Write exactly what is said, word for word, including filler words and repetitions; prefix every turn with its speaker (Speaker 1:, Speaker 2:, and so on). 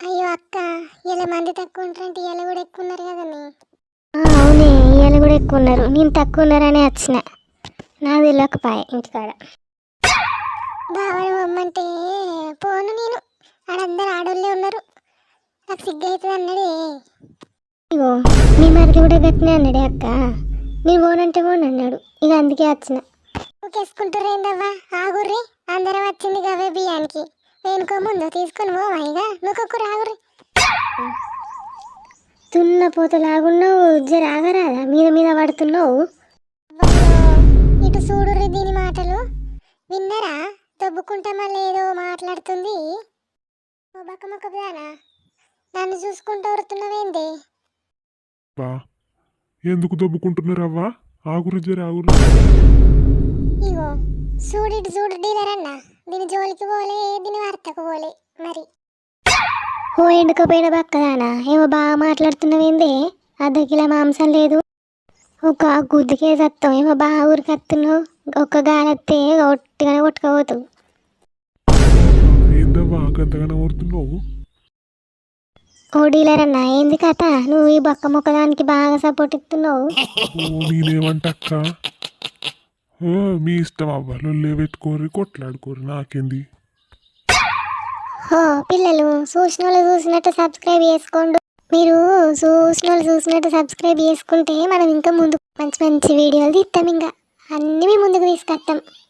Speaker 1: అయ్యో అక్క, ఇలా మంది తక్కువ ఉంటారంటే ఇలా కూడా ఎక్కువ ఉన్నారు కదండి.
Speaker 2: అవునే, ఇవాళ కూడా ఎక్కువ ఉన్నారు. నేను తక్కువ ఉన్నారనే వచ్చిన, నాకు తెలియకపాయ ఇంటికాడ.
Speaker 1: బావని బొమ్మంటే పోను నేను, ఆడందరు ఆడోళ్ళే ఉన్నారు, నాకు సిగ్గు అవుతుంది అన్నాడే.
Speaker 2: ఇగో మీ మరిది కూడా గట్టినే అన్నాడే అక్క, నేను పోనంటే పోను అన్నాడు. ఇక అందుకే వచ్చిన.
Speaker 1: నువ్వుకేసుకుంటారేందవ్వా, ఆగుర్రి, అందరం వచ్చింది కవే బియ్యానికి. వేనుకో ముందు తీసుకొని పోవా, ఇక నువ్వుకొక్కరు ఆగుర్రి.
Speaker 2: తున్న పోతలాగున్నావు, జర ఆగరాదా, మీద మీద పడుతున్నావు.
Speaker 1: ఇటు చూడుర్రి దీని మాటలు విన్నరా, దొబ్బుకుంటా మళ్ళీ ఏదో మాట్లాడుతుంది. ఓ బక్క మొక్క దానా, నన్ను చూసుకుంటూ వరుతున్నావేంది?
Speaker 3: బా ఎందుకు దొబ్బుకుంటున్నారవ్వా? ఆగురు జర ఆగురు.
Speaker 1: ఇగో చూడు, ఇటు చూడు డీలర్ అన్న, దీని జోలికి పోలే, దీని వార్తకు పోలే. మరి
Speaker 2: ఓ ఎండుకపోయిన బక్కదానా, ఏమో బాగా మాట్లాడుతున్నావేంది? అర్ధ కిలో మాంసం లేదు, ఒక గుద్దుకే సత్తాం, ఏమో బాగా ఊరికత్తున్నావు. ఒక్క గాలత్తే ఒట్టిగానే కొట్టుకోపోతావు.
Speaker 3: ఏందవ్వా గంతగానే ఊరుతున్నావు?
Speaker 2: ఓ డీలర్ అన్న, ఏంది కథ? నువ్వు ఈ బొక్క మొక్కదానికి బాగా సపోర్ట్ ఇస్తున్నావు.
Speaker 3: నేనేమంటక్క, మీ ఇష్టం అవ్వ, లొల్లే పెట్టుకోర్రి, కొట్లాడుకోర్రి, నాకేంది.
Speaker 2: ఓ పిల్లలు, చూసిన వాళ్ళు చూసినట్టు సబ్స్క్రైబ్ చేసుకోండి. మీరు చూసిన వాళ్ళు చూసినట్టు సబ్స్క్రైబ్ చేసుకుంటే మనం ఇంకా ముందు మంచి మంచి వీడియోలు తీస్తాం, ఇంకా అన్నీ మీ ముందుకు తీసుకొస్తాం.